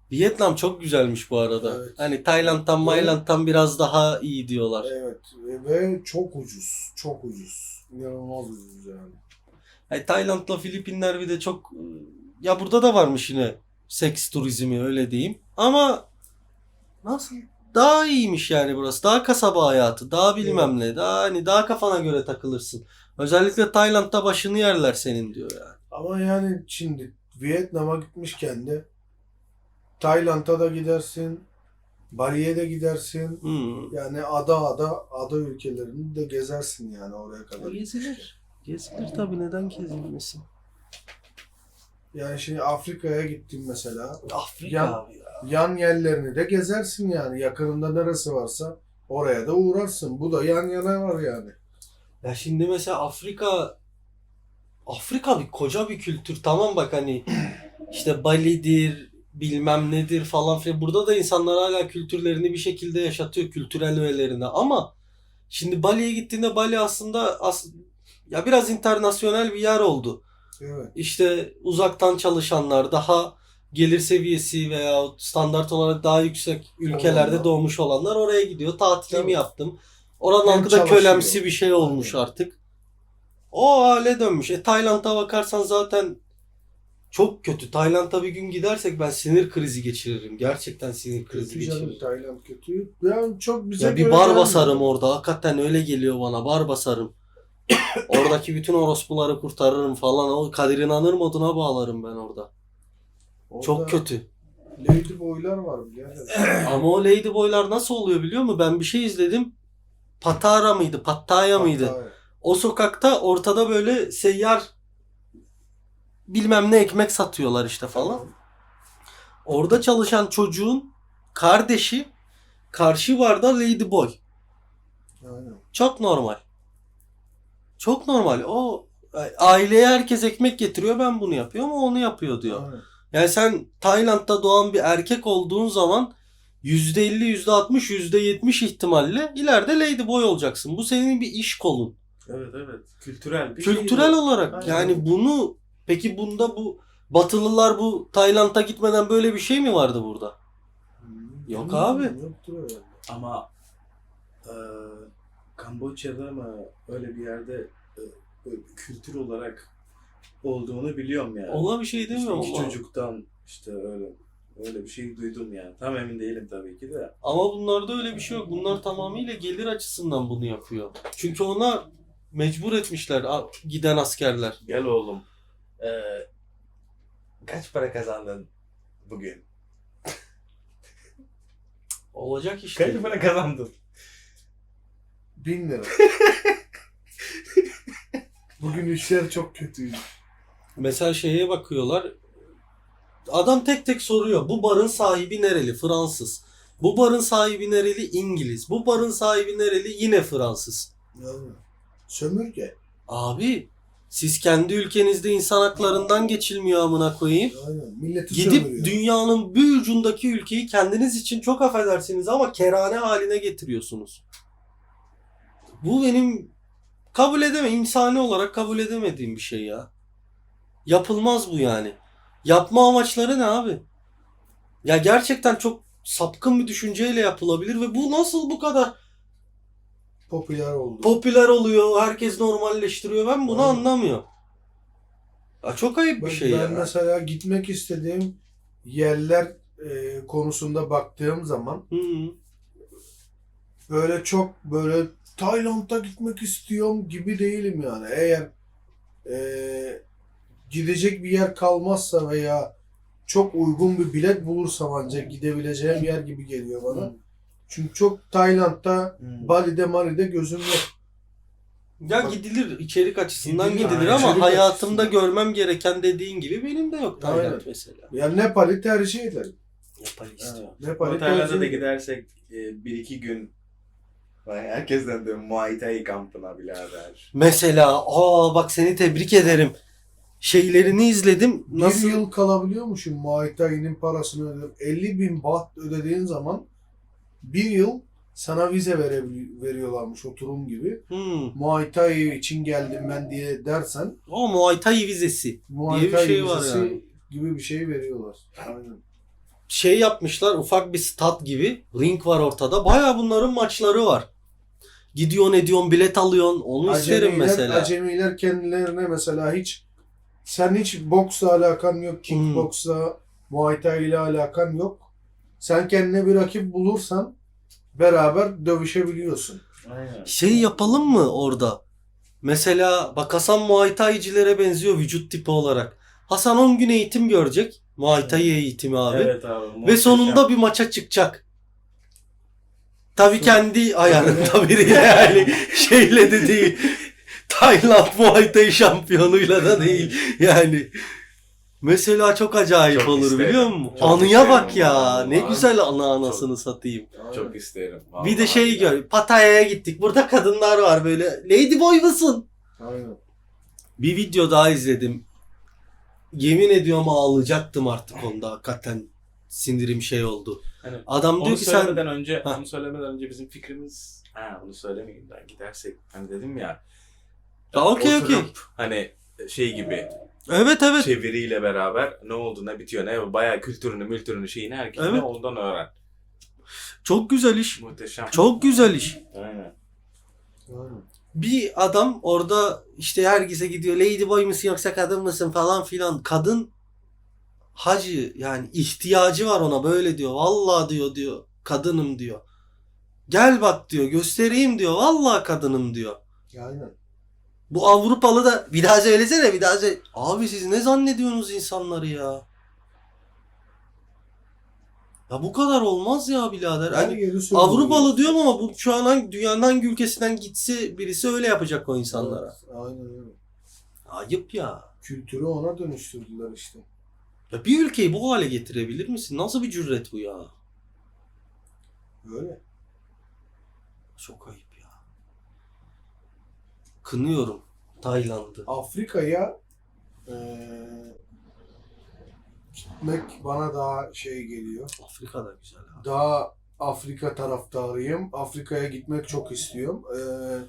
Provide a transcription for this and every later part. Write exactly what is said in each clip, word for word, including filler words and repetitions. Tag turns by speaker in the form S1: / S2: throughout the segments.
S1: Vietnam çok güzelmiş bu arada.
S2: Evet.
S1: Hani Tayland'dan, Mayland'dan biraz daha iyi diyorlar.
S2: Evet ve çok ucuz. Çok ucuz. İnanılmaz ucuz yani.
S1: Yani Tayland'la Filipinler bir de çok... Ya burada da varmış yine seks turizmi öyle diyeyim. Ama nasıl? Daha iyiymiş yani burası. Daha kasaba hayatı. Daha bilmem
S2: Evet.
S1: ne. Daha hani daha kafana göre takılırsın. Özellikle Tayland'da başını yerler senin diyor yani.
S2: Ama yani şimdi Vietnam'a gitmişken de Tayland'a da gidersin. Bali'ye de gidersin.
S1: Hmm.
S2: Yani ada ada ada ülkelerini de gezersin yani oraya kadar.
S1: Gezilir. Gezilir tabii, neden gezilmesin?
S2: Yani şimdi Afrika'ya gittim mesela.
S1: Afrika
S2: Yan,
S1: abi ya.
S2: yan yerlerini de gezersin yani. Yakınında neresi varsa oraya da uğrarsın. Bu da yan yana var yani.
S1: Ya şimdi mesela Afrika Afrika bir koca bir kültür. Tamam bak hani işte Bali'dir, bilmem nedir falan filan. Burada da insanlar hala kültürlerini bir şekilde yaşatıyor, kültürel öğelerini. Ama şimdi Bali'ye gittiğinde Bali aslında as ya biraz internasyonel bir yer oldu.
S2: Evet.
S1: İşte uzaktan çalışanlar, daha gelir seviyesi veya standart olarak daha yüksek ülkelerde
S2: Olanlar.
S1: doğmuş olanlar oraya gidiyor. Tatilimi
S2: Tabii.
S1: yaptım. Oranın
S2: Hem
S1: halkı da
S2: çalışıyor.
S1: kölemsi bir şey olmuş
S2: Aynen.
S1: artık. O hale dönmüş. E Tayland'a bakarsan zaten çok kötü. Tayland'a bir gün gidersek ben sinir krizi geçiririm. Gerçekten sinir krizi
S2: Kötü canım,
S1: geçiririm.
S2: Tayland kötü. Yani çok bize
S1: Ya bir
S2: göre
S1: bar
S2: gelmiyor.
S1: basarım orada. Hakikaten öyle geliyor bana. Bar basarım. Oradaki bütün orospuları kurtarırım falan. O Kadir İnanır moduna bağlarım ben orada.
S2: Orada
S1: Çok kötü.
S2: Lady boylar var birader.
S1: Ama o Ladyboy'lar nasıl oluyor biliyor musun? Ben bir şey izledim. Patara mıydı? Pattaya mıydı?
S2: Hatta
S1: O sokakta ortada böyle seyyar bilmem ne ekmek satıyorlar işte falan. Orada çalışan çocuğun kardeşi karşı barda Ladyboy.
S2: aynen.
S1: Çok normal. Çok normal. O aileye herkes ekmek getiriyor, ben bunu yapıyorum, o onu yapıyor diyor.
S2: Aynen.
S1: Yani sen Tayland'da doğan bir erkek olduğun zaman yüzde elli, yüzde altmış, yüzde yetmiş ihtimalle ileride Ladyboy olacaksın. Bu senin bir iş kolun.
S3: Evet evet. Kültürel bir şey
S1: Kültürel
S3: bu.
S1: olarak
S3: Aynen.
S1: yani bunu, peki bunda bu Batılılar bu Tayland'a gitmeden böyle bir şey mi vardı burada? Yok abi.
S2: Yoktur öyle.
S3: Ama e, Kamboçya'da mı öyle bir yerde e, böyle bir kültür olarak olduğunu biliyorum yani.
S1: Ona bir şey
S3: İşte
S1: demiyorum
S3: iki
S1: ama.
S3: çocuktan işte öyle öyle bir şey duydum yani. Tam emin değilim tabii ki de.
S1: Ama bunlarda öyle bir şey yok. Bunlar tamamıyla gelir açısından bunu yapıyor. Çünkü ona mecbur etmişler a- giden askerler.
S3: Gel oğlum. Ee, kaç para kazandın bugün?
S1: Olacak işte.
S3: Kaç para kazandın?
S2: Bin lira. Bugün işler çok kötüydü.
S1: Mesela şeye bakıyorlar. Adam tek tek soruyor. Bu barın sahibi nereli? Fransız. Bu barın sahibi nereli? İngiliz. Bu barın sahibi nereli? Yine Fransız.
S2: Yani sömürge.
S1: Abi siz kendi ülkenizde insan haklarından geçilmiyor amına koyayım.
S2: Aynen. Milleti
S1: Gidip
S2: sömürüyor.
S1: dünyanın bir ucundaki ülkeyi kendiniz için çok affedersiniz ama kerane haline getiriyorsunuz. Bu benim kabul edemem, insani olarak kabul edemediğim bir şey ya. Yapılmaz bu yani. Yapma amaçları ne abi? Ya gerçekten çok sapkın bir düşünceyle yapılabilir ve bu nasıl bu kadar
S2: Popüler oldu.
S1: popüler oluyor, herkes normalleştiriyor, ben bunu
S2: Aynen.
S1: anlamıyorum. Ya çok ayıp bir
S2: Ben,
S1: şey
S2: ben
S1: ya.
S2: mesela gitmek istediğim yerler e, konusunda baktığım zaman
S1: Hı hı.
S2: böyle çok böyle Tayland'a gitmek istiyorum gibi değilim yani. Eğer e, gidecek bir yer kalmazsa veya çok uygun bir bilet bulursam ancak gidebileceğim yer gibi geliyor bana.
S1: Hı.
S2: Çünkü çok Tayland'da,
S3: Hmm.
S2: Bali'de, Mali'de gözüm yok.
S1: Ya gidilir, içerik açısından
S2: Gidilir,
S1: gidilir
S2: aynen.
S1: ama
S2: İçerik
S1: hayatımda
S2: açısından.
S1: görmem gereken dediğin gibi benim de yok Tayland
S2: Aynen.
S1: mesela.
S2: Yani Nepal'i tercih ederim.
S1: Nepal istiyorum.
S2: Nepal'i
S3: Tayland'a
S2: tercih
S3: da
S2: ederim.
S3: gidersek e, bir iki gün vay, herkesten de Muay Thai kampına birader.
S1: Mesela aa bak seni tebrik ederim. Şeylerini izledim. Nasıl?
S2: Bir yıl kalabiliyormuşum Muay Thai'nin parasını ödedim. elli bin baht ödediğin zaman bir yıl sana vize verebil- veriyorlarmış oturum gibi.
S1: Hmm.
S2: Muay Thai için geldim ben diye dersen
S1: O Muay Thai vizesi
S2: Muay
S1: diye bir
S2: Thai
S1: şey var
S2: vizesi
S1: yani.
S2: gibi bir şey veriyorlar. Aynen.
S1: şey yapmışlar, ufak bir stat gibi. Ring var ortada. Baya bunların maçları var. Gidiyorsun ediyorsun bilet alıyorsun. Onu isterim mesela.
S2: Acemiler kendilerine mesela hiç sen hiç boksla alakan yok, kickboksla, Muay Thai ile alakan yok. Sen kendine bir rakip bulursan beraber dövüşebiliyorsun.
S3: Aynen.
S1: Şey yapalım mı orada? Mesela bak Hasan Muay Thai'cilere benziyor vücut tipi olarak. Hasan on gün eğitim görecek. Muay Thai eğitimi abi.
S3: Evet abi.
S1: Ve
S3: muhteşem.
S1: sonunda bir maça çıkacak. Tabii
S2: Son-
S1: kendi ayarında biriyle yani şeyle de değil. Tayland Muay Thai şampiyonuyla da değil. Yani mesela çok acayip
S3: Çok
S1: olur
S3: isterim.
S1: biliyor musun?
S3: Çok
S1: Anıya
S3: isterim
S1: bak ya.
S3: vallahi.
S1: Ne güzel ana
S3: Çok-
S1: anasını satayım.
S3: Çok isterim.
S1: Bir de
S3: Vallahi
S1: şey
S3: ya.
S1: gör. Pattaya'ya gittik. Burada kadınlar var böyle. Ladyboy musun?
S2: Aynen.
S1: Bir video daha izledim. Yemin ediyorum ağlayacaktım artık onda. Hakikaten sindirim şey oldu.
S3: Hani
S1: Adam
S3: Onu
S1: diyor ki sen
S3: söylemeden önce,
S1: Ha.
S3: onu söylemeden önce bizim fikrimiz, ha bunu söylemeyeyim ben gidersek hani dedim ya.
S1: Ya okey,
S3: oturup
S1: okey.
S3: Hani şey gibi
S1: evet evet.
S3: çeviriyle beraber ne oldu ne bitiyor ne bayağı kültürünü mültürünü şeyini herkes
S1: Evet.
S3: ondan öğren.
S1: Çok güzel iş.
S3: Muhteşem.
S1: Çok güzel iş.
S3: Aynen.
S2: Aynen.
S1: Bir adam orada işte herkese gidiyor. Ladyboy musun yoksa kadın mısın falan filan. Kadın hacı yani ihtiyacı var ona böyle diyor. Vallahi diyor diyor. Kadınım diyor. Gel bak diyor. Göstereyim diyor. Vallahi kadınım diyor.
S2: Aynen.
S1: Bu Avrupalı da bir daha söylesene bir daha söyle. Abi siz ne zannediyorsunuz insanları ya? Ya bu kadar olmaz ya birader.
S2: Her
S1: Hani
S2: yeri söylüyor.
S1: Avrupalı diyorum ama bu şu an hangi, dünyanın hangi ülkesinden gitse birisi öyle yapacak o insanlara.
S2: Evet, aynen öyle.
S1: Ayıp ya.
S2: Kültürü ona dönüştürdüler işte.
S1: Ya bir ülkeyi bu hale getirebilir misin? Nasıl bir cüret bu ya?
S2: Öyle.
S1: Çok ayıp ya. Kınıyorum Tayland'ı.
S2: Afrika'ya eee gitmek bana daha şey geliyor.
S1: Afrika da güzel ha.
S2: Daha Afrika taraftarıyım. Afrika'ya gitmek çok istiyorum. Eee,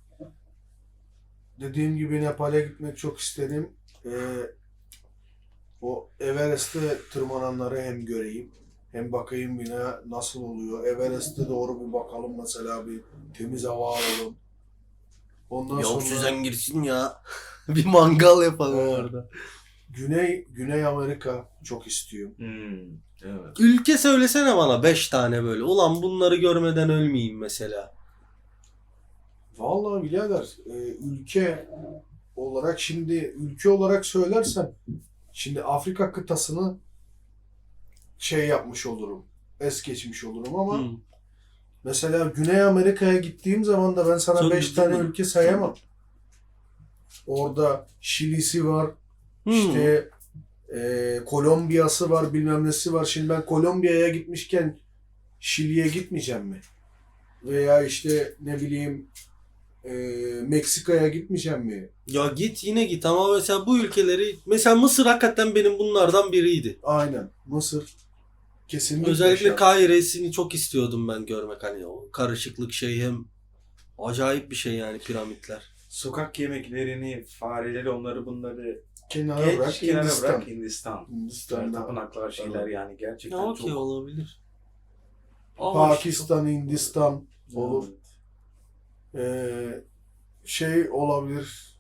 S2: dediğim gibi Nepal'e gitmek çok isterim. Eee, o Everest'e tırmananları hem göreyim hem bakayım yine nasıl oluyor. Everest'e doğru bir bakalım mesela bir temiz hava alalım. Ondan
S1: Ya
S2: sonra
S1: oksijen girsin ya. Bir mangal yapalım
S2: Evet.
S1: orada.
S2: Güney Güney Amerika çok istiyorum.
S3: Hmm, evet.
S1: Ülke söylesene bana beş tane böyle. Ulan bunları görmeden ölmeyeyim mesela.
S2: Vallahi birader e, ülke olarak şimdi ülke olarak söylersem şimdi Afrika kıtasını şey yapmış olurum. Es geçmiş olurum ama
S1: Hı.
S2: mesela Güney Amerika'ya gittiğim zaman da ben sana
S1: Söndürdün
S2: beş tane
S1: mü?
S2: ülke sayamam. Orada Şili'si var,
S1: Hı.
S2: işte e, Kolombiya'sı var, bilmem nesi var. Şimdi ben Kolombiya'ya gitmişken Şili'ye gitmeyeceğim mi? Veya işte ne bileyim e, Meksika'ya gitmeyeceğim mi?
S1: Ya git yine git ama mesela bu ülkeleri mesela Mısır hakikaten benim bunlardan biriydi.
S2: Aynen. Mısır. Kesinlikle.
S1: Özellikle
S2: şart.
S1: Kahire'sini çok istiyordum ben görmek hani o karışıklık şey hem acayip bir şey yani piramitler.
S3: Sokak yemeklerini, fareleri, onları bunları
S2: Kenara
S3: geç
S2: bırak
S3: kenara
S2: Hindistan.
S3: bırak Hindistan.
S2: Hindistan'da.
S3: Tapınaklar şeyler
S2: Evet.
S3: yani gerçekten
S1: Ya okey
S3: çok.
S1: olabilir. Ama
S2: Pakistan, Hindistan olur.
S3: Evet.
S2: Ee, şey olabilir.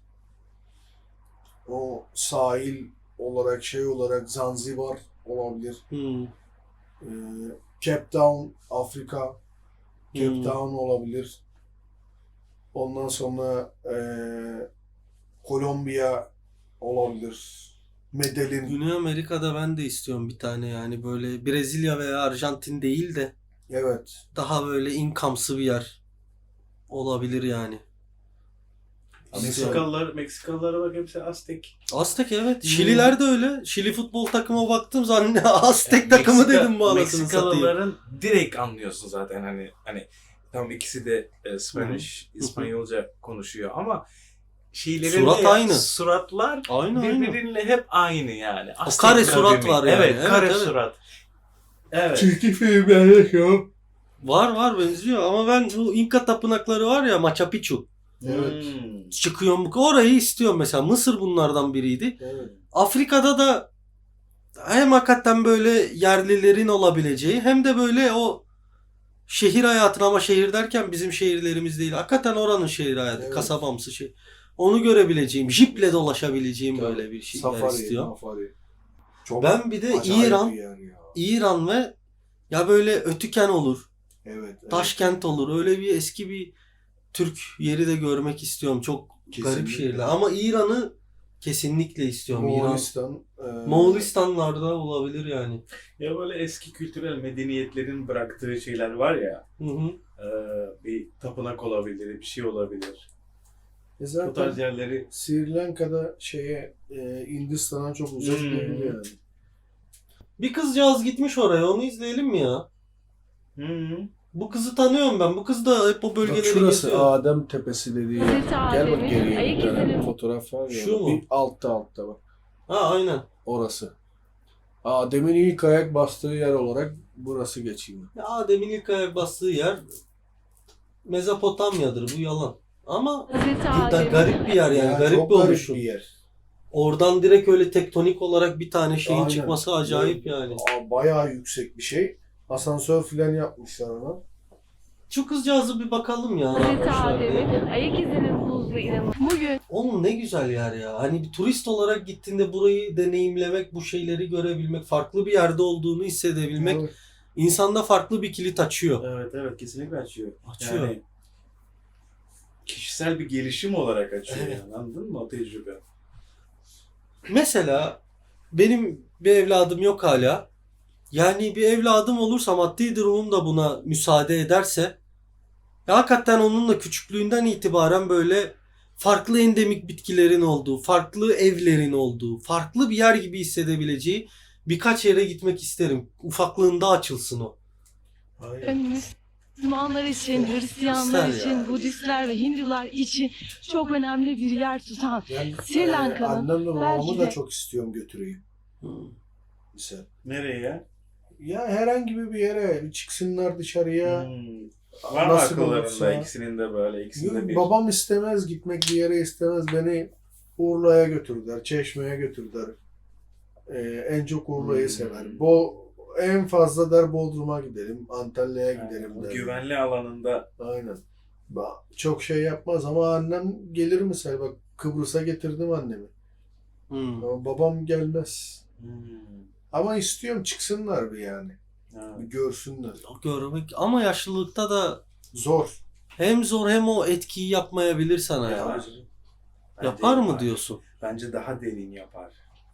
S2: O sahil olarak şey olarak Zanzibar olabilir.
S1: Hmm.
S2: Ee, Cape Town, Afrika. Cape
S1: Hmm.
S2: Town olabilir. Ondan sonra ee, Kolombiya olabilir. Medellin.
S1: Güney Amerika'da ben de istiyorum bir tane yani böyle Brezilya veya Arjantin değil de
S2: Evet.
S1: daha böyle income'sı bir yer olabilir yani.
S3: Meksikalılar, Meksikalılara bak hepsi Aztek.
S1: Aztek evet.
S3: Hmm.
S1: Şililer de öyle. Şili futbol takıma baktım zanne Aztek
S3: Yani
S1: takımı
S3: Meksika-
S1: dedim bu anasını satayım.
S3: Meksikalıların direkt anlıyorsun zaten hani hani tam ikisi de e, Spanish,
S1: Hı.
S3: İspanyolca konuşuyor ama şeylerin
S1: Surat
S3: de-
S1: aynı.
S3: Suratlar
S1: Aynı aynı.
S3: birbiriyle hep aynı yani.
S1: O
S3: Aztek
S1: kare surat
S3: kavimi.
S1: var yani.
S3: Evet,
S1: Evet,
S3: kare
S1: evet.
S3: surat. Evet.
S2: Çizgi filmlerde şu.
S1: Var var benziyor ama ben bu İnka tapınakları var ya Machu Picchu.
S2: Evet.
S3: Hmm.
S1: Çıkıyorum orayı istiyorum mesela. Mısır bunlardan biriydi.
S2: Evet.
S1: Afrika'da da hem hakikaten böyle yerlilerin olabileceği hem de böyle o şehir hayatını, ama şehir derken bizim şehirlerimiz değil. Hakikaten oranın şehir hayatı,
S2: Evet.
S1: kasabamsı şey. Onu görebileceğim, jiple dolaşabileceğim
S2: Tabii.
S1: böyle bir şeyler
S2: Safari,
S1: istiyorum.
S2: mafari. Çok
S1: Ben bir de
S2: acayip
S1: İran,
S2: bir yer ya.
S1: İran ve ya böyle Ötüken olur,
S2: Evet, evet.
S1: Taşkent olur. Öyle bir eski bir Türk yeri de görmek istiyorum. Çok
S2: Kesinlikle.
S1: garip şehirler. Ama İran'ı kesinlikle istiyorum. İran.
S2: Moğolistan. e,
S1: Moğolistanlarda olabilir yani.
S3: Ya böyle eski kültürel medeniyetlerin bıraktığı şeyler var ya.
S1: Hı hı.
S3: e, bir tapınak olabilir, bir şey olabilir.
S2: e
S3: Bu
S2: zaten
S3: tarz yerleri
S2: Sri Lanka'da şeye e, Hindistan'a çok uzak
S3: Hmm.
S2: değil yani.
S1: Bir kızcağız gitmiş oraya. Onu izleyelim mi ya?
S3: Hı.
S1: Bu kızı tanıyorum ben. Bu kız da hep o
S2: Bak
S1: bölgeleri
S2: şurası
S1: geziyor.
S2: Adem Tepesi dediği yer.
S4: Hazreti
S2: Gel bak
S4: Adem'in
S2: geriye
S4: ayak
S2: bir tane
S4: izinin
S2: fotoğraf var ya.
S1: Şu mu?
S2: Bir altta altta bak.
S1: Ha aynen.
S2: Orası. Adem'in ilk ayak bastığı yer olarak burası geçiyor.
S1: Ya Adem'in ilk ayak bastığı yer Mezopotamya'dır. Bu yalan. Ama
S4: Hazreti
S1: bu da
S4: Adem'in
S1: garip bir yer yani.
S2: Ya
S1: garip
S2: çok
S1: bir
S2: garip
S1: oluşum.
S2: bir yer.
S1: Oradan direkt öyle tektonik olarak bir tane şeyin
S2: Aynen.
S1: çıkması acayip yani.
S2: Aa, bayağı yüksek bir şey. Asansör filan yapmışlar ona.
S1: Şu kızcağızı bir bakalım ya. ne
S4: Hazreti
S1: yapmışlar diye.
S4: Adem'in ayak izinin buzlu inanın. Bugün
S1: Oğlum ne güzel yer ya. Hani bir turist olarak gittiğinde burayı deneyimlemek, bu şeyleri görebilmek, farklı bir yerde olduğunu hissedebilmek
S2: Evet.
S1: insanda farklı bir kilit açıyor.
S3: Evet evet kesinlikle açıyor.
S1: Açıyor.
S3: Yani kişisel bir gelişim olarak açıyor
S1: Evet.
S3: yani, anladın mı o tecrübe?
S1: Mesela benim bir evladım yok hala. Yani bir evladım olursa, maddi durumum da buna müsaade ederse, ya hakikaten onunla küçüklüğünden itibaren böyle farklı endemik bitkilerin olduğu, farklı evlerin olduğu, farklı bir yer gibi hissedebileceği birkaç yere gitmek isterim. Ufaklığında açılsın o.
S2: Aynen.
S4: Müslümanlar için, Hristiyanlar
S1: İster
S4: için,
S1: ya.
S4: Budistler ve Hindular için çok önemli bir yer tutan
S2: Yani,
S4: Sri Lanka'nın
S2: e, annemle babamı
S4: belki
S2: da
S4: de-
S2: çok istiyorum götüreyim.
S1: Hmm.
S2: Mesela.
S3: Nereye ya?
S2: Ya herhangi bir yere bir çıksınlar dışarıya.
S3: Hmm. Var mı
S2: Nasıl
S3: akıllarında
S2: olursa.
S3: ikisinin de böyle ikisinde
S2: Yok,
S3: bir?
S2: babam istemez gitmek bir yere istemez. Beni Urla'ya götürdüler, Çeşme'ye götürdüler. Ee, en çok Urla'yı
S3: Hmm.
S2: sever. Bo en fazla der Bodrum'a gidelim, Antalya'ya gidelim
S3: Yani, o
S2: der.
S3: güvenli alanında
S2: Aynen. Ba- Çok şey yapmaz ama annem gelir mesela. Bak Kıbrıs'a getirdim annemi.
S1: Hmm.
S2: Ama babam gelmez.
S3: hmm.
S2: Ama istiyorum çıksınlar bir yani.
S3: Ha.
S2: Bir görsünler.
S1: O görmek ama yaşlılıkta da
S2: Zor.
S1: hem zor hem o etkiyi yapmayabilir sana ya.
S3: Yapar. Bence
S1: Yapar mı diyorsun?
S3: Bence daha derin yapar.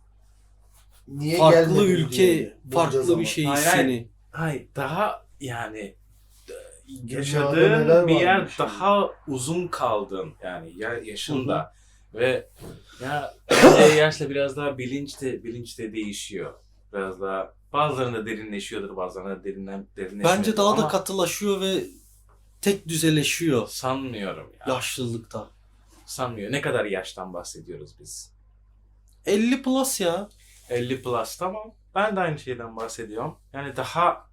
S2: Niye
S1: Farklı
S2: gelmedin
S1: ülke,
S2: diye bulacağız
S1: farklı
S2: ama.
S1: bir şey
S3: Hayır,
S1: hissini.
S3: Hayır daha yani
S2: Dünyada
S3: yaşadığın
S2: neler
S3: bir yer
S2: varmış
S3: daha uzun kaldın yani ya yaşında ve ya bence yaşla biraz daha bilinç de bilinç de değişiyor. Biraz daha bazılarında derinleşiyordur, bazılarında derinden derinleşmiyor.
S1: Bence daha da
S3: Ama
S1: katılaşıyor ve tek düzeleşiyor
S3: sanmıyorum ya.
S1: yaşlılıkta.
S3: Sanmıyor. Ne kadar yaştan bahsediyoruz biz?
S1: elli plus ya.
S3: elli plus tamam. Ben de aynı şeyden bahsediyorum. Yani daha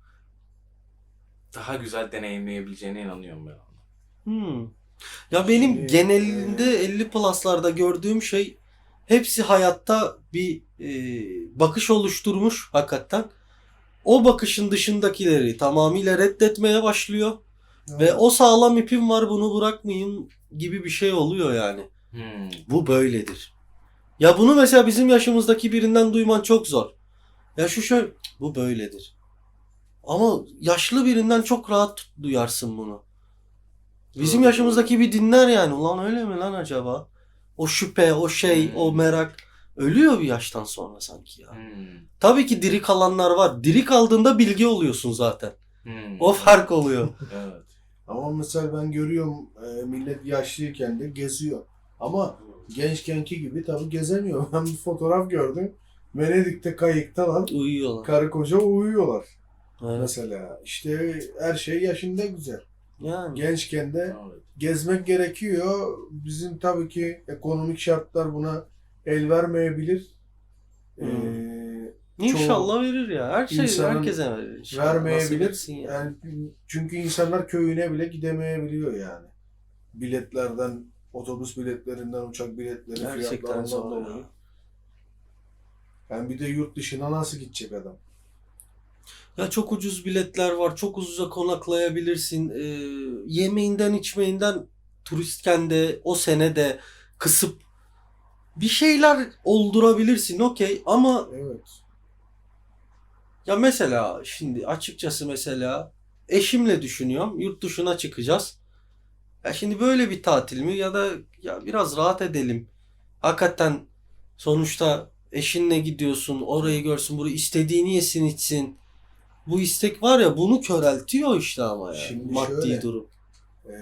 S3: daha güzel deneyimleyebileceğine inanıyorum ben.
S1: Hmm. Ya benim
S2: Şimdi,
S1: genelinde elli plus'larda gördüğüm şey hepsi hayatta bir e, bakış oluşturmuş hakikaten. O bakışın dışındakileri tamamıyla reddetmeye başlıyor. Ve o sağlam ipim var, bunu bırakmayayım gibi bir şey oluyor yani.
S3: Hmm.
S1: Bu böyledir. Ya bunu mesela bizim yaşımızdaki birinden duyman çok zor. Ya şu şöyle, bu böyledir. Ama yaşlı birinden çok rahat duyarsın bunu. Bizim
S2: Doğru,
S1: yaşımızdaki bir dinler yani. Ulan öyle mi lan acaba? O şüphe, o şey,
S3: Hmm.
S1: o merak ölüyor bir yaştan sonra sanki ya.
S3: Hmm.
S1: Tabii ki diri kalanlar var. Diri kaldığında bilgi oluyorsun zaten.
S3: Hmm.
S1: O fark oluyor.
S3: Evet.
S2: Ama mesela ben görüyorum e, millet yaşlıyken de geziyor. Ama gençkenki gibi tabii gezemiyor. Ben bir fotoğraf gördüm. Venedik'te kayıktalar.
S1: Uyuyorlar.
S2: Karı koca uyuyorlar.
S1: Evet.
S2: Mesela işte her şey yaşında güzel.
S1: Yani.
S2: Gençken de
S3: Evet.
S2: gezmek gerekiyor. Bizim tabii ki ekonomik şartlar buna el vermeyebilir.
S1: Hmm.
S2: Ee,
S1: İnşallah verir ya. Her şey
S2: insanın
S1: herkese verir. İnşallah. Nasip
S2: vermeyebilir.
S1: etsin ya.
S2: Yani çünkü insanlar köyüne bile gidemeyebiliyor yani. Biletlerden, otobüs biletlerinden, uçak biletleri
S1: Gerçekten
S2: fiyatlarından
S1: zor
S2: dolayı.
S1: ya.
S2: Yani bir de yurt dışına nasıl gidecek adam?
S1: Ya çok ucuz biletler var. Çok ucuza konaklayabilirsin. Ee, yemeğinden içmeyinden turistken de o sene de kısıp bir şeyler oldurabilirsin. Okey ama
S2: Evet.
S1: ya mesela şimdi açıkçası mesela eşimle düşünüyorum. Yurt dışına çıkacağız. Ya şimdi böyle bir tatil mi ya da ya biraz rahat edelim. Hakikaten sonuçta eşinle gidiyorsun. Orayı görsün, burayı istediğini yesin içsin. Bu istek var ya bunu köreltiyor işte ama ya.
S2: Şimdi
S1: Maddi
S2: şöyle.
S1: durum.
S2: Ee,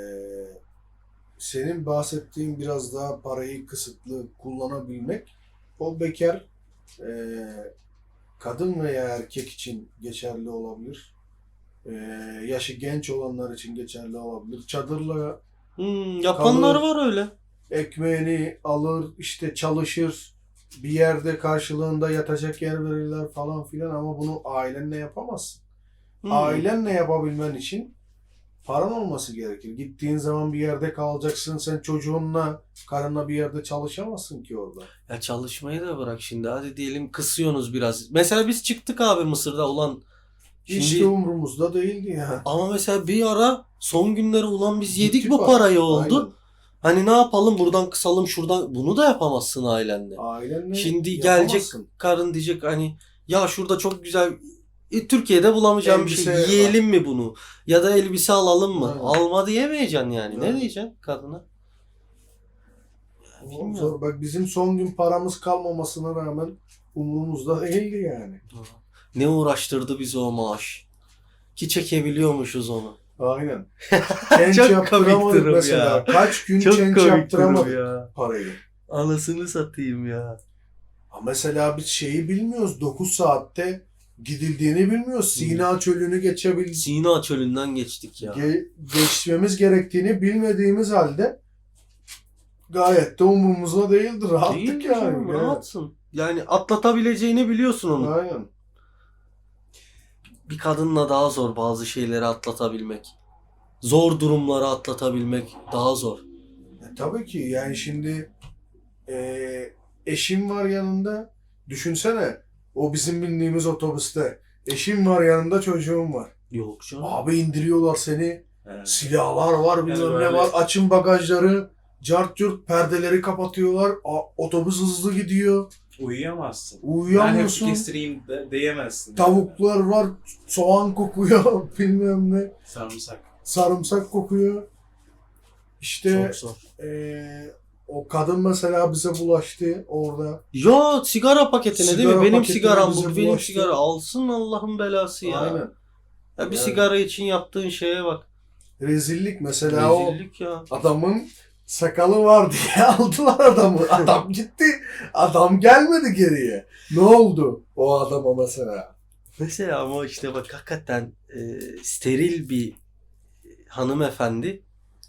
S2: senin bahsettiğin biraz daha parayı kısıtlı kullanabilmek, o bekar e, kadın veya erkek için geçerli olabilir. E, yaşı genç olanlar için geçerli olabilir. Çadırla
S1: Hmm, yapanlar
S2: Kalır.
S1: var öyle.
S2: ekmeğini alır, işte çalışır, bir yerde karşılığında yatacak yer verirler falan filan, ama bunu ailenle yapamazsın.
S1: Hmm.
S2: Ailenle yapabilmen için paran olması gerekir. Gittiğin zaman bir yerde kalacaksın. Sen çocuğunla, karınla bir yerde çalışamazsın ki orada.
S1: Ya çalışmayı da bırak şimdi. Hadi diyelim kısıyorsunuz biraz. Mesela biz çıktık abi Mısır'da ulan. Şimdi
S2: Hiç de umurumuzda değildi ya.
S1: ama mesela bir ara son günleri ulan biz yedik
S2: Gitti
S1: bu
S2: para.
S1: parayı oldu.
S2: Aynen.
S1: Hani ne yapalım buradan kısalım şuradan. Bunu da yapamazsın ailenle.
S2: Ailenle
S1: Şimdi
S2: yapamazsın.
S1: gelecek karın diyecek hani ya şurada çok güzel e, Türkiye'de bulamayacağım bir şey.
S2: Elbise
S1: Yiyelim mi bunu? Ya da elbise alalım mı?
S2: Aynen.
S1: Alma diyemeyeceksin yani. Ne
S2: Aynen.
S1: diyeceksin kadına?
S2: O
S1: Bilmiyorum.
S2: zor. Bak bizim son gün paramız kalmamasına rağmen umurumuzda değildi yani.
S1: Ne uğraştırdı bizi o maaş. Ki çekebiliyormuşuz onu.
S2: Aynen. Change
S1: Çok
S2: yaptıramadık
S1: komik durum
S2: mesela.
S1: ya.
S2: Kaç gün change yaptıramadık
S1: ya.
S2: parayı.
S1: Anasını satayım ya.
S2: Ha mesela biz şeyi bilmiyoruz. dokuz saatte gidildiğini bilmiyoruz. Sina çölünü geçebildik.
S1: Sina çölünden geçtik ya.
S2: Ge- geçmemiz gerektiğini bilmediğimiz halde gayet de umurumuzda değildi. Rahattık
S1: Değil mi
S2: yani.
S1: canım?
S2: Evet.
S1: Rahatsın. Yani atlatabileceğini biliyorsun onu.
S2: Aynen.
S1: Bir kadınla daha zor bazı şeyleri atlatabilmek. Zor durumları atlatabilmek daha zor.
S2: E, tabii ki yani şimdi e, eşim var yanında. Düşünsene, o bizim bindiğimiz otobüste. Eşim var yanında, çocuğum var.
S1: Yok canım.
S2: Abi indiriyorlar seni.
S3: Evet.
S2: Silahlar var,
S3: Yani
S2: bilmem ne
S3: böyle-
S2: var. Açın bagajları. Cart curt perdeleri kapatıyorlar. A- otobüs hızlı gidiyor.
S3: Uyuyamazsın.
S2: Uyuyamıyorsun.
S3: Ben hep kestireyim de, diyemezsin.
S2: Tavuklar var. Soğan kokuyor. Bilmem ne.
S3: Sarımsak.
S2: Sarımsak kokuyor. İşte
S1: Çok zor.
S2: eee, o kadın mesela bize bulaştı orada.
S1: Ya sigara paketine değil
S2: Sigara
S1: mi? Benim
S2: paketine
S1: sigaram
S2: bize
S1: bu. Benim
S2: bulaştı.
S1: sigara. Alsın Allah'ın belası ya.
S2: Aynen.
S1: Ya bir
S2: Yani.
S1: sigara için yaptığın şeye bak.
S2: Rezillik mesela.
S1: Rezillik ya.
S2: O adamın sakalı var diye aldılar adamı. Adam gitti. Adam gelmedi geriye. Ne oldu o adama mesela?
S1: Mesela ama işte bak hakikaten e, steril bir hanımefendi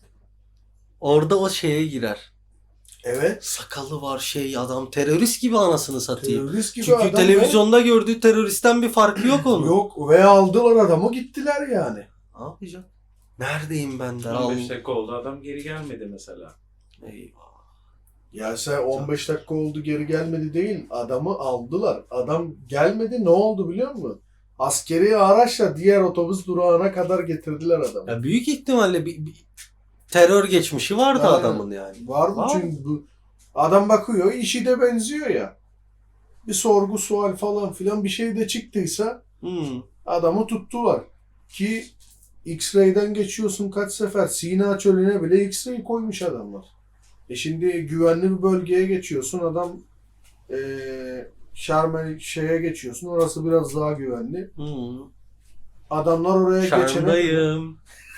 S1: orada o şeye girer.
S2: Evet.
S1: Sakalı var şey adam terörist gibi anasını satayım.
S2: Terörist gibi
S1: Çünkü
S2: adam
S1: televizyonda gördüğü teröristten bir farkı yok
S2: ve-
S1: onun.
S2: Yok, ve aldılar adamı, gittiler yani.
S1: Ne yapacaksın? Neredeyim ben der.
S3: on beş
S1: Al.
S3: dakika oldu, adam geri gelmedi mesela.
S1: Eyvah.
S2: Ya sen on beş dakika oldu geri gelmedi değil. Adamı aldılar. Adam gelmedi, ne oldu biliyor musun? Askeri araçla diğer otobüs durağına kadar getirdiler adamı.
S1: Ya büyük ihtimalle bir, bir terör geçmişi vardı
S2: Aynen.
S1: adamın yani.
S2: Var mı?
S1: Var.
S2: Çünkü bu adam bakıyor, işi de benziyor ya. Bir sorgu sual falan filan bir şey de çıktıysa
S1: Hmm.
S2: adamı tuttular. Ki X-ray'den geçiyorsun kaç sefer. Sina çölüne bile X-ray koymuş adamlar. E şimdi güvenli bir bölgeye geçiyorsun. Adam eee Şarmel şeye geçiyorsun. Orası biraz daha güvenli.
S1: Hmm.
S2: Adamlar oraya geçene
S1: Şarmdayım.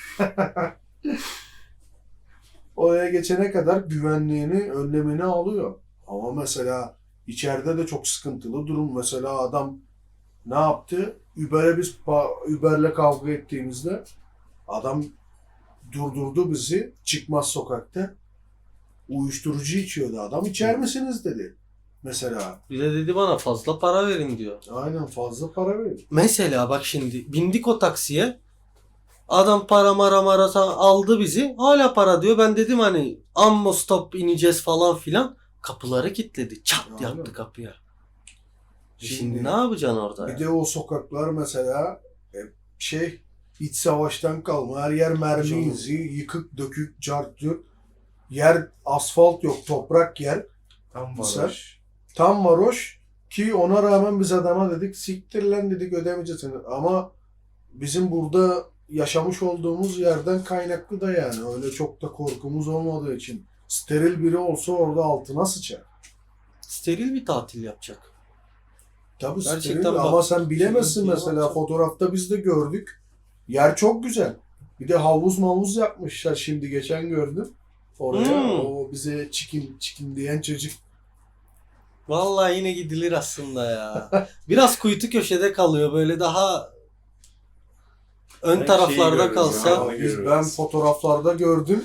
S2: oraya geçene kadar güvenliğini, önlemini alıyor. Ama mesela içeride de çok sıkıntılı durum. Mesela adam ne yaptı? Uber'e biz pa- Uber'le kavga ettiğimizde adam durdurdu bizi çıkmaz sokakta. Uyuşturucu içiyordu adam. İçer misiniz dedi. Mesela.
S1: Bir de dedi bana fazla para verin diyor.
S2: Aynen, fazla para verin.
S1: Mesela bak şimdi bindik o taksiye. Adam para mara mara sa- aldı bizi. Hala para diyor. Ben dedim hani ammo stop ineceğiz falan filan. Kapıları kilitledi. Çat
S2: Aynen.
S1: yaptı kapıya. Şimdi ne yapacaksın orada?
S2: Bir
S1: ya?
S2: de o sokaklar mesela e, şey iç savaştan kalma. Her yer mermi
S1: Canım.
S2: izi, yıkık, dökük, cartçut. Yer asfalt yok, toprak yer.
S3: Tam
S2: Güzel.
S3: varoş.
S2: Tam varoş ki ona rağmen biz adama dedik siktir lan dedik ödemeyeceksin. Ama bizim burada yaşamış olduğumuz yerden kaynaklı da yani. Öyle çok da korkumuz olmadığı için. Steril biri olsa orada altına sıçar.
S1: Steril bir tatil yapacak.
S2: Tabii
S1: Gerçekten
S2: steril
S1: bak-
S2: ama sen bilemezsin
S1: Şey-
S2: mesela
S1: şey-
S2: fotoğrafta biz de gördük. Yer çok güzel. Bir de havuz mavuz yapmışlar şimdi geçen gördüm. Oraya
S1: Hmm.
S2: o bize çikin çikin diyen çocuk.
S1: Vallahi yine gidilir aslında ya. Biraz kuytu köşede kalıyor böyle daha ön
S3: Ben
S1: taraflarda
S3: şeyi görüyorum
S1: kalsa.
S3: ya.
S2: Ya
S3: Onu
S2: biz,
S3: görüyoruz.
S2: ben fotoğraflarda gördüm.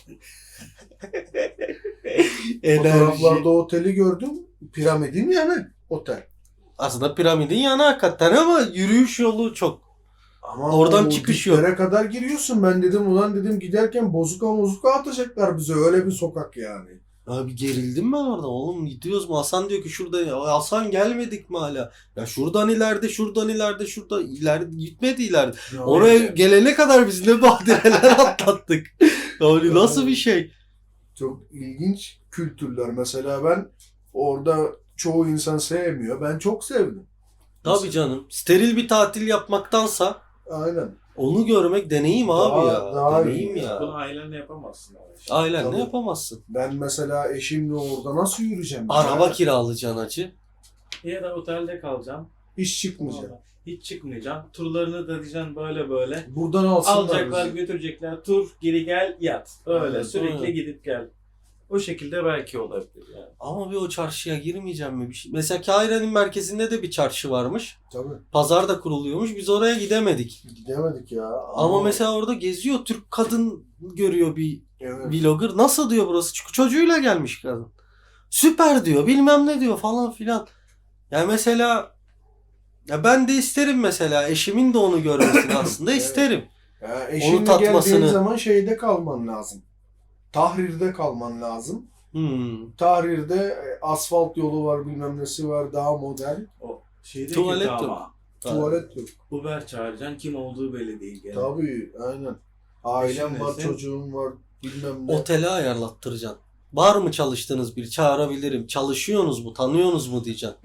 S1: Enerji.
S2: Fotoğraflarda oteli gördüm. Piramidin yanı otel.
S1: Aslında piramidin yanı hakikaten ama yürüyüş yolu çok.
S2: Ama
S1: Oradan
S2: o
S1: çıkış yok.
S2: diplere kadar giriyorsun. Ben dedim ulan dedim giderken bozuka mozuka atacaklar bize. Öyle bir sokak yani.
S1: Abi gerildim ben orada. Oğlum gidiyoruz mu? Hasan diyor ki şurada. Ya Hasan gelmedik mi hala? Ya şuradan ileride, şuradan ileride, şurada ileride gitmedi ileride.
S2: Ya
S1: Oraya
S2: öyle.
S1: gelene kadar biz ne badireler atlattık. Yani nasıl bir şey?
S2: Çok ilginç kültürler. Mesela ben orada çoğu insan sevmiyor. Ben çok sevdim.
S1: Tabii canım. Steril bir tatil yapmaktansa
S2: Aynen.
S1: onu görmek deneyim abi
S2: Daha-
S1: ya.
S2: daha
S1: deneyim
S2: iyi.
S1: ya.
S3: Bunu ailenle yapamazsın. Ama işte.
S1: Ailenle
S2: Tabii.
S1: yapamazsın.
S2: Ben mesela eşimle orada nasıl yürüyeceğim?
S1: Araba
S2: Ya?
S1: kiralayacaksın acı.
S3: Ya da otelde kalacaksın.
S2: İş çıkmayacak.
S3: Hiç çıkmayacaksın. Turlarını da diyeceksin böyle böyle.
S2: Buradan alsınlar
S3: Alacaklar,
S2: bizi.
S3: götürecekler. Tur, geri gel, yat. Öyle
S2: Aynen,
S3: sürekli
S1: aynen.
S3: gidip gel. O şekilde belki olabilir yani.
S1: Ama bir o çarşıya girmeyeceğim mi? Bir şey. Mesela Kahire'nin merkezinde de bir çarşı varmış.
S2: Tabii.
S1: Pazar da kuruluyormuş. Biz oraya gidemedik.
S2: Gidemedik ya.
S1: Ama mesela orada geziyor. Türk kadın görüyor bir
S2: Evet.
S1: vlogger. Nasıl diyor burası? Çünkü çocuğuyla gelmiş kadın. Süper diyor. Bilmem ne diyor falan filan. Yani mesela ya ben de isterim mesela. Eşimin de onu görmesini aslında
S2: Evet.
S1: isterim.
S2: Ya eşinle
S1: tatmasını-
S2: geldiğin zaman şeyde kalman lazım. Tahrir'de kalman lazım.
S1: Hmm.
S2: Tahrir'de e, asfalt yolu var, bilmem nesi var, daha modern.
S3: O şeyde
S1: Tuvalet
S3: kötü
S1: yok.
S3: ama.
S2: Tuvalet yok.
S3: Uber çağıracaksın. Kim olduğu belli değil. Yani.
S2: Tabii, aynen. Ailem
S3: Eşin
S2: var,
S3: nesin?
S2: çocuğum var, bilmem ne.
S1: Otele ayarlattıracaksın. Var mı çalıştığınız biri? Çağırabilirim. Çalışıyorsunuz mu? Tanıyorsunuz mu diyeceksin.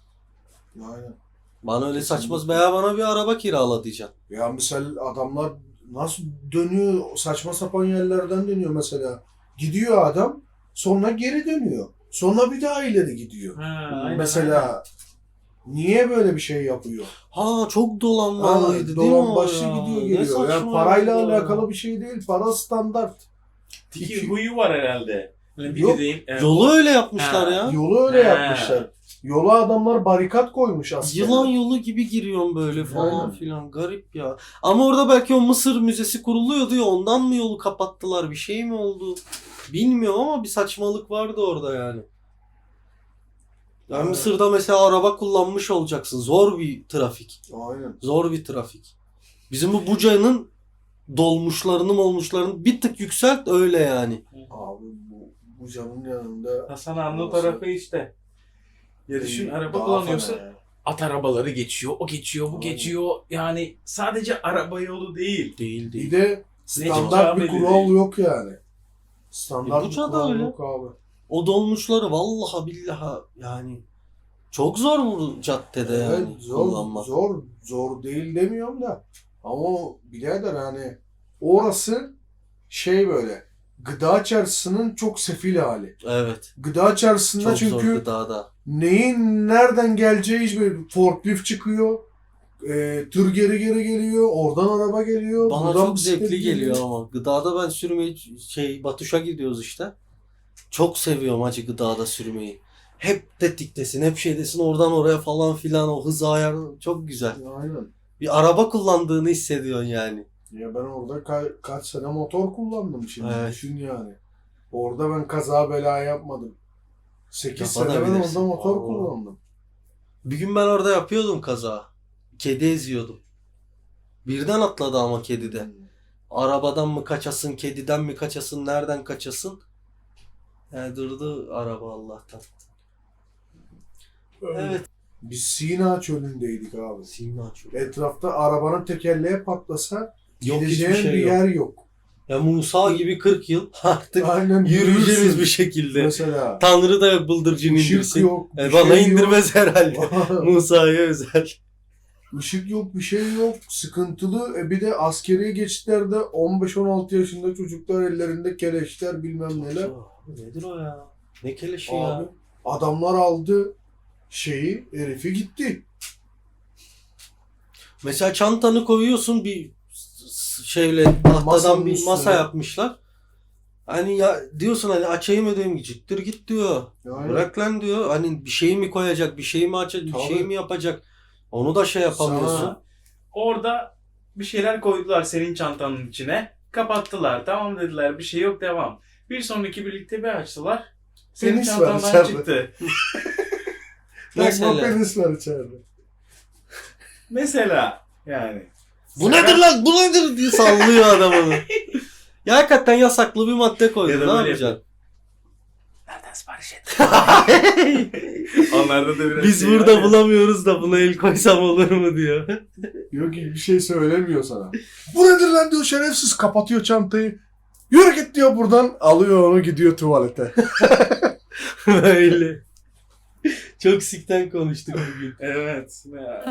S2: Aynen.
S1: Bana öyle
S2: Kesinlikle.
S1: saçma veya bana bir araba kirala diyeceksin.
S2: Ya mesela adamlar nasıl dönüyor, saçma sapan yerlerden dönüyor mesela. Gidiyor adam, sonra geri dönüyor. Sonra bir daha ileri gidiyor.
S3: Ha, aynen,
S2: Mesela niye böyle bir şey yapıyor?
S1: Ha çok
S2: Ha,
S1: dolanmalıydı değil mi o
S2: dolan başlı
S1: ya?
S2: gidiyor
S1: Ne
S2: geliyor. Yani
S1: saçma
S2: parayla
S1: ya.
S2: alakalı bir şey değil. Para standart.
S3: Tiki
S2: İki-
S3: huyu var herhalde. Hani bir
S2: Yok,
S3: gideyim. e,
S1: Yolu öyle yapmışlar
S3: Ha.
S1: ya.
S2: Yolu öyle
S3: He.
S2: yapmışlar. Yola adamlar barikat koymuş aslında.
S1: Yılan yolu gibi giriyorsun böyle falan
S2: Aynen.
S1: filan. Garip ya. Ama orada belki o Mısır Müzesi kuruluyordu ya ondan mı yolu kapattılar? Bir şey mi oldu? Bilmiyorum ama bir saçmalık vardı orada yani. Yani
S2: Evet.
S1: Mısır'da mesela araba kullanmış olacaksın. Zor bir trafik.
S2: Aynen.
S1: Zor bir trafik. Bizim bu Buca'nın dolmuşlarını olmuşlarını bir tık yükselt öyle yani.
S2: Abi bu, bu canın yanında
S3: Hasan Anlı
S2: Olsun.
S3: tarafı işte. Ya düşün
S2: Ee,
S3: araba
S2: daha
S3: kullanıyorsun.
S2: fena ya.
S3: At arabaları geçiyor, o geçiyor, bu
S2: Aynen.
S3: geçiyor. Yani sadece araba yolu değil.
S1: Değil
S2: Bir
S1: değil.
S2: de standart
S3: çıkacağı
S2: bir
S3: belli
S2: kural
S3: değil.
S2: yok yani. Standart
S1: E,
S2: bir
S1: Buca'da
S2: kural
S1: öyle.
S2: yok abi.
S1: O dolmuşları vallahi billahi yani çok zor bu caddede
S2: Evet,
S1: yani
S2: zor,
S1: kullanmak.
S2: zor, zor değil demiyorum da. Ama birader hani orası şey böyle gıda çarşısının çok sefil hali.
S1: Evet.
S2: Gıda çarşısında
S1: Çok zor
S2: çünkü
S1: gıdada.
S2: neyin nereden geleceği hiç böyle forklift çıkıyor. E, tır geri geri geliyor. Oradan araba geliyor.
S1: Bana
S2: buradan
S1: çok
S2: bisiklet
S1: zevkli geliyor ama. Gıdada ben sürmeyi şey Batuş'a gidiyoruz işte. Çok seviyorum acı gıdada sürmeyi. Hep tetiktesin, hep şeydesin oradan oraya falan filan o hız ayarı çok güzel.
S2: Aynen.
S1: Bir araba kullandığını hissediyorsun yani.
S2: Ya ben orada ka- kaç sene motor kullandım şimdi.
S1: Evet.
S2: Düşün yani. Orada ben kaza bela yapmadım. sekiz sene ben
S1: Yapabilirsin.
S2: orada motor
S1: Allah.
S2: kullandım.
S1: Bir gün ben orada yapıyordum kaza. Kedi eziyordum. Birden atladı ama kedi de. Arabadan mı kaçasın, kediden mi kaçasın, nereden kaçasın? Yani durdu araba Allah'tan. Evet.
S2: Biz Sina çölündeydik abi.
S1: Sina çok.
S2: Etrafta arabanın tekerleği patlasa
S1: Yok,
S2: gideceğin
S1: hiçbir şey
S2: bir
S1: yok.
S2: yer yok.
S1: Ya Musa gibi kırk yıl artık
S2: Aynen
S1: yürüyeceğiz
S2: yürürsün.
S1: bir şekilde.
S2: Mesela.
S1: Tanrı da yok bıldırcın
S2: Işık
S1: indirsin.
S2: yok.
S1: E,
S2: bir
S1: bana
S2: şey
S1: indirmez herhalde.
S2: yok.
S1: Musa'ya özel.
S2: Işık yok, bir şey yok. Sıkıntılı. E bir de askeri geçitlerde on beş on altı yaşında çocuklar ellerinde keleşler bilmem neler.
S1: Nedir o ya? Ne keleşi
S2: Abi
S1: ya?
S2: adamlar aldı şeyi, herifi gitti.
S1: Mesela çantanı koyuyorsun bir s- şeyle tahtadan
S2: Masanın
S1: bir
S2: üstüne.
S1: masa yapmışlar. Hani ya diyorsun hani açayım ödeyim gittir git diyor.
S2: Yani
S1: Bırak lan diyor. Hani bir şey mi koyacak, bir şey mi açacak, bir
S2: Tabii.
S1: şey mi yapacak? Onu da şey yapamıyorsun.
S2: Sana-
S3: Orada bir şeyler koydular senin çantanın içine. Kapattılar. Tamam dediler, bir şey yok, devam. Bir sonraki birlikte bir açtılar. Senin
S2: Penis var
S3: çantandan
S2: içeride.
S3: çıktı.
S2: Mesela.
S1: Mesela.
S2: Penis var içeride.
S3: Mesela yani.
S1: Bu nedir lan? Bu nedir diye sallıyor adam onu. Ya hakikaten yasaklı bir madde koydu.
S3: Ya da
S1: Ne
S3: böyle
S1: yapacaksın?
S3: Nereden sipariş ettin? Onlarda da biraz
S1: Biz
S3: şey
S1: burada
S3: var ya.
S1: bulamıyoruz da buna el koysam olur mu diyor.
S2: Yok ki bir şey söylemiyor sana. Bu nedir lan diyor, şerefsiz, kapatıyor çantayı. Yürü git diyor buradan. Alıyor onu, gidiyor tuvalete.
S1: Böyle. Çok sikten konuştuk bugün.
S3: Evet. Ya.